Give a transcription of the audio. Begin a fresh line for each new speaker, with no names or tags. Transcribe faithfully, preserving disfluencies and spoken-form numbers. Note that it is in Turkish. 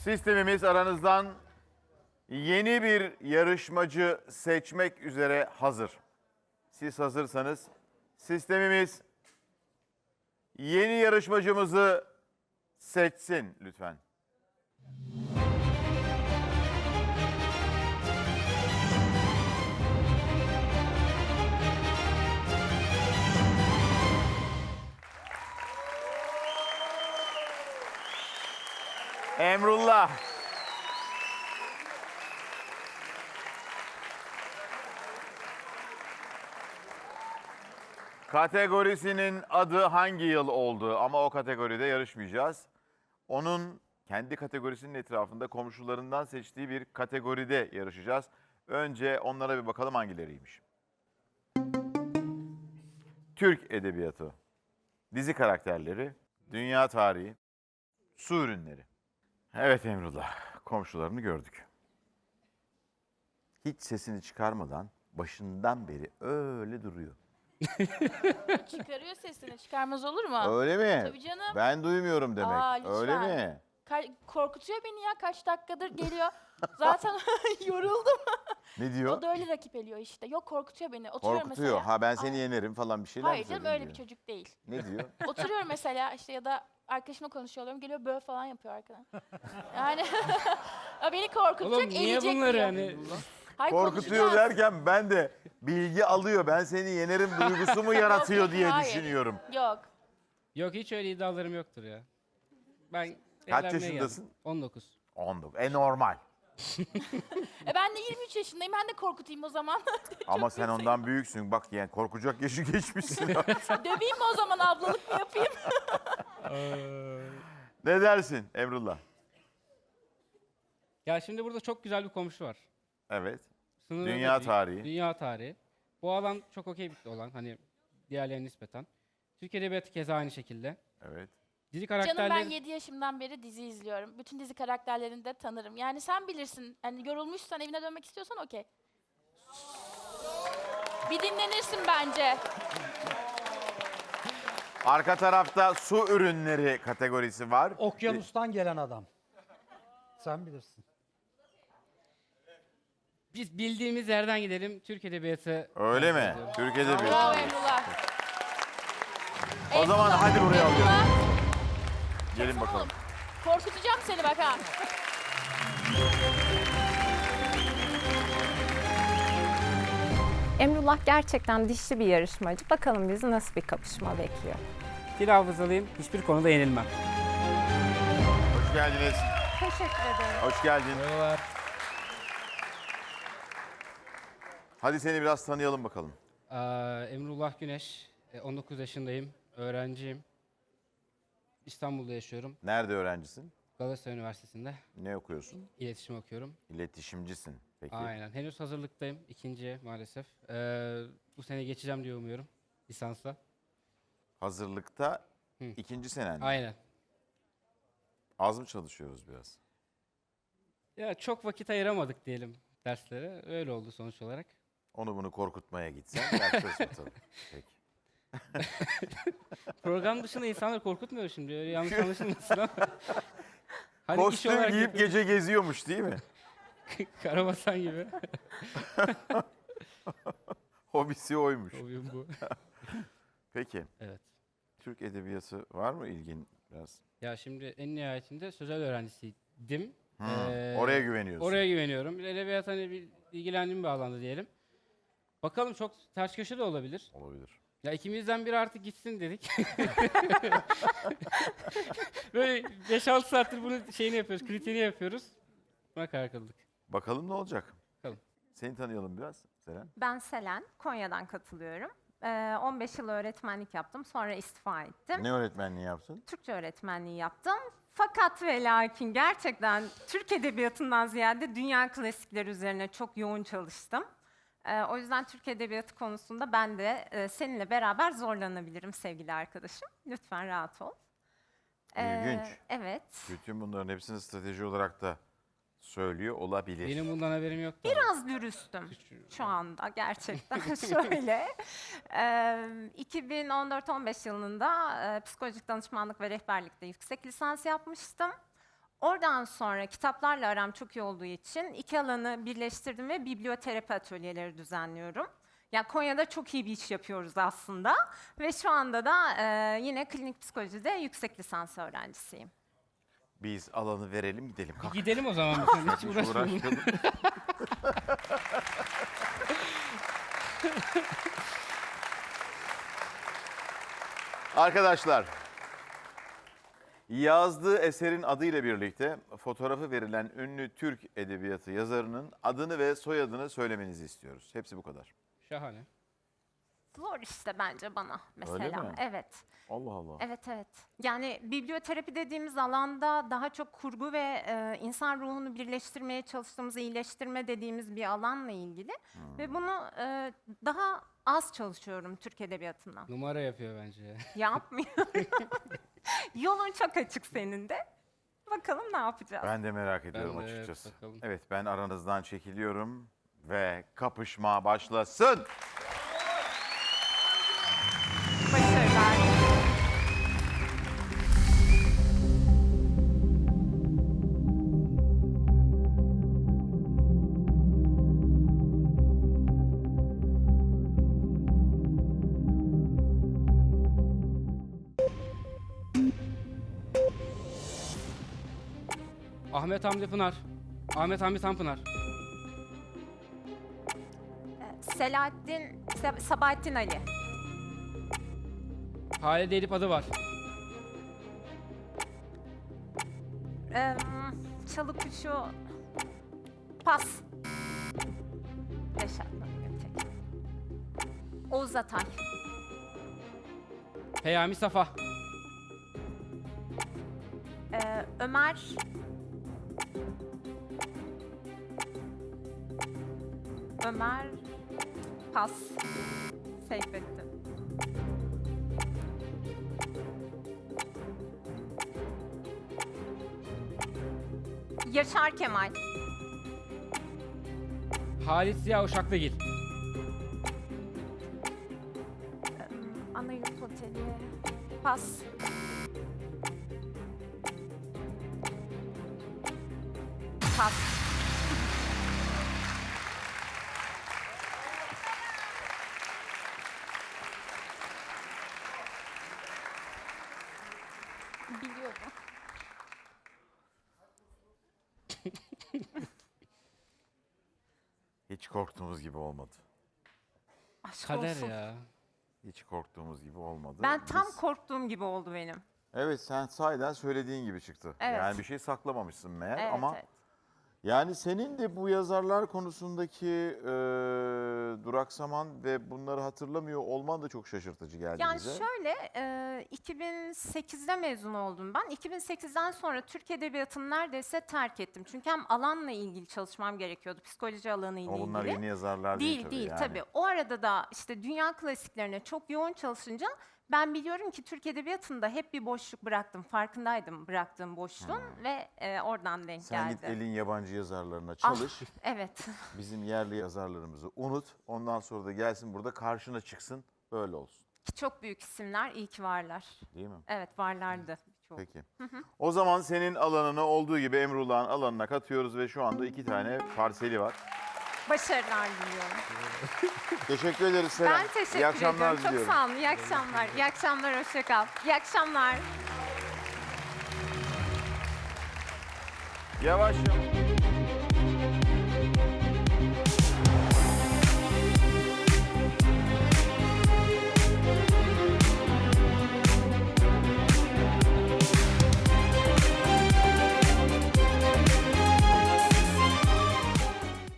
Sistemimiz aranızdan yeni bir yarışmacı seçmek üzere hazır. Siz hazırsanız sistemimiz yeni yarışmacımızı seçsin lütfen. Emrullah. Kategorisinin adı hangi yıl oldu ama o kategoride yarışmayacağız. Onun kendi kategorisinin etrafında komşularından seçtiği bir kategoride yarışacağız. Önce onlara bir bakalım hangileriymiş. Türk Edebiyatı, dizi karakterleri, dünya tarihi, su ürünleri. Evet Emrullah, komşularını gördük. Hiç sesini çıkarmadan başından beri öyle duruyor.
Çıkarıyor sesini. Çıkarmaz olur mu?
Öyle mi?
Tabii canım.
Ben duymuyorum demek.
Aa, lütfen.
Öyle mi?
Ka- korkutuyor beni ya. Kaç dakikadır geliyor. Zaten yoruldum.
Ne diyor?
O da öyle rakip ediyor işte. Yok korkutuyor beni. Oturuyorum
Korkutuyor.
mesela.
Ha ben seni
Ay,
yenerim falan bir şeyler mi
hayır canım
söylüyor
öyle bir
diyor.
çocuk değil.
Ne diyor?
Oturuyorum mesela işte ya da arkadaşımla konuşuyorum. Geliyor böyle falan yapıyor arkadan. Yani ya beni korkutacak,
Oğlum niye
eğecek
bunları
diyor.
hani...
Hayır,
Korkutuyor
konuşacağız.
derken ben de bilgi alıyor. Ben seni yenerim duygusu mu yaratıyor
Yok,
diye
hayır.
düşünüyorum.
Yok.
Yok hiç öyle iddialarım yoktur ya. Ben
Kaç
evlenmeye
yaşındasın?
geldim. on dokuz.
on dokuz. E normal.
E ben de yirmi üç yaşındayım. Ben de korkutayım o zaman.
Ama sen ondan büyüksün. Bak yani korkacak yaşı geçmişsin.
Döveyim mi o zaman, ablalık mı yapayım?
Ne dersin Emrullah?
Ya şimdi burada çok güzel bir komşu var.
Evet.
Sınırı
Dünya
da büyük,
tarihi.
Dünya tarihi. Bu alan çok okey bir olan hani diğerlerine nispeten. Türk Edebiyatı keza aynı şekilde.
Evet.
Dizi
Canım
karakterleri...
ben yedi yaşımdan beri dizi izliyorum. Bütün dizi karakterlerini de tanırım. Yani sen bilirsin. Hani yorulmuşsan evine dönmek istiyorsan okey. Bir dinlenirsin bence.
Arka tarafta su ürünleri kategorisi var.
Okyanustan gelen adam. Sen bilirsin.
Biz bildiğimiz yerden gidelim. Türk Edebiyatı...
Öyle mi?
bahsediyorum.
Türk
Bravo
Edebiyatı.
Emrullah.
O zaman
Emrullah,
hadi buraya
Emrullah.
alıyorum. Gelin
Çeksene
bakalım.
oğlum. Korkutacağım seni bak ha.
Emrullah gerçekten dişli bir yarışmacı. Bakalım bizi nasıl bir kapışma bekliyor.
Dil hafızalıyım. Hiçbir konuda yenilmem.
Hoş geldiniz.
Teşekkür ederim.
Hoş geldin.
Merhabalar.
Hadi seni biraz tanıyalım bakalım.
Aa, Emrullah Güneş. e, on dokuz yaşındayım. Öğrenciyim. İstanbul'da yaşıyorum.
Nerede öğrencisin?
Galatasaray Üniversitesi'nde
Ne okuyorsun?
iletişim okuyorum.
İletişimcisin. Peki.
Aynen. Henüz hazırlıktayım. İkinciye maalesef. Ee, bu sene geçeceğim diye umuyorum. Lisansla.
Hazırlıkta
Hı.
ikinci senen. mi?
Aynen.
Az mı çalışıyoruz biraz?
Ya çok vakit ayıramadık diyelim derslere. Öyle oldu sonuç olarak.
Onu bunu korkutmaya gitsen yaklaşma tabii. Peki.
Program dışında insanları korkutmuyor şimdi. Öyle yanlış anlaşılmasın ama. Hani iş
Kostüm
olarak
giyip
yapıyoruz.
gece geziyormuş değil mi?
Karabasan gibi.
Hobisi oymuş.
Oyun bu.
Peki.
Evet.
Türk Edebiyatı var mı ilgin biraz?
Ya şimdi en nihayetinde sözel öğrencisiydim.
Hmm,
Ee,
oraya güveniyorsun.
Oraya güveniyorum. Edebiyat hani bir ilgilendiğim bir alanda diyelim. Bakalım çok ters köşe de olabilir.
Olabilir.
Ya ikimizden biri artık gitsin dedik. Böyle beş altı saattir bunun şeyini yapıyoruz, kritiğini yapıyoruz. Buna karar kıldık.
Bakalım ne olacak?
Bakalım.
Seni tanıyalım biraz Selen.
Ben Selen, Konya'dan katılıyorum. Ee, on beş yıl öğretmenlik yaptım, sonra istifa ettim.
Ne öğretmenliği yaptın?
Türkçe öğretmenliği yaptım. Fakat ve lakin gerçekten Türk Edebiyatı'ndan ziyade dünya klasikleri üzerine çok yoğun çalıştım. Ee, o yüzden Türk Edebiyatı konusunda ben de e, seninle beraber zorlanabilirim sevgili arkadaşım. Lütfen rahat ol. Ee,
İlginç.
Evet.
Bütün bunların hepsini strateji olarak da söylüyor olabilir.
Benim bundan haberim yoktu.
Biraz dürüstüm şu anda gerçekten. Şöyle, e, iki bin on dört on beş yılında e, psikolojik danışmanlık ve rehberlikte yüksek lisans yapmıştım. Oradan sonra kitaplarla aram çok iyi olduğu için iki alanı birleştirdim ve biblioterapi atölyeleri düzenliyorum. Ya Konya'da çok iyi bir iş yapıyoruz aslında ve şu anda da e, yine klinik psikolojide yüksek lisans öğrencisiyim.
Biz alanı verelim gidelim. Kalk.
Gidelim o zaman. Biz hiç
Hiç
uğraşmayalım.
uğraşmayalım. Arkadaşlar, yazdığı eserin adıyla birlikte fotoğrafı verilen ünlü Türk edebiyatı yazarının adını ve soyadını söylemenizi istiyoruz. Hepsi bu kadar.
Şahane.
Zor işte bence bana mesela.
mi?
Evet.
Allah Allah.
Evet evet. Yani biblioterapi dediğimiz alanda daha çok kurgu ve e, insan ruhunu birleştirmeye çalıştığımız, iyileştirme dediğimiz bir alanla ilgili. Ve bunu e, daha az çalışıyorum Türk edebiyatından.
Numara yapıyor bence.
Yapmıyorum. Yolun çok açık senin de. Bakalım ne yapacağız?
Ben de merak ediyorum
de, evet,
açıkçası.
bakalım.
Evet, ben aranızdan çekiliyorum ve kapışma başlasın.
Başarılar.
Ahmet Hamdi Pınar. Ahmet Hamdi Tanpınar.
Ee, Selahattin, Se- Sabahattin Ali.
Halide Edip adı var.
Ee, Çalı kuşu. Pas. Beş hakkım tek. Oğuz Atay.
Peyami Safa.
Ee, Ömer. Ömer. Pas. Seyfettin. Yaşar Kemal.
Halit Ziya Uşaklıgil.
Anayurt Oteli. Pas. Pas.
Biliyordum.
Hiç korktuğumuz gibi olmadı.
Aşk
Kader
olsun.
ya.
Hiç korktuğumuz gibi olmadı.
Ben tam
Biz-
korktuğum gibi oldu benim.
Evet, sen sahiden söylediğin gibi çıktı.
Evet.
Yani bir şey saklamamışsın meğer
Evet,
ama
evet.
yani senin de bu yazarlar konusundaki e, duraksaman ve bunları hatırlamıyor olman da çok şaşırtıcı geldi
Yani
bize.
şöyle, e, iki bin sekizde mezun oldum ben. iki bin sekizden sonra Türk Edebiyatı'nı neredeyse terk ettim. Çünkü hem alanla ilgili çalışmam gerekiyordu, psikoloji alanı ile
Ama bunlar
ilgili.
yeni yazarlar değil,
Değil
tabii.
değil
yani.
tabii. O arada da işte dünya klasiklerine çok yoğun çalışınca ben biliyorum ki Türk Edebiyatı'nda hep bir boşluk bıraktım. Farkındaydım bıraktığım boşluğun ve e, oradan denk
Sen
geldi.
git elin yabancı yazarlarına
Ah,
çalış.
evet.
Bizim yerli yazarlarımızı unut. Ondan sonra da gelsin burada karşına çıksın. Böyle olsun.
Ki çok büyük isimler iyi ki varlar.
Değil mi?
Evet varlardı. Çok.
Peki. O zaman senin alanına olduğu gibi Emrullah'ın alanına katıyoruz ve şu anda iki tane parseli var.
Başarılar diliyorum.
Teşekkür ederiz Seren.
Ben teşekkür
İyi akşamlar
ediyorum. Çok
diliyorum.
sağ olun. İyi akşamlar. İyi akşamlar. Hoşça kal. İyi akşamlar.
Yavaş yavaş.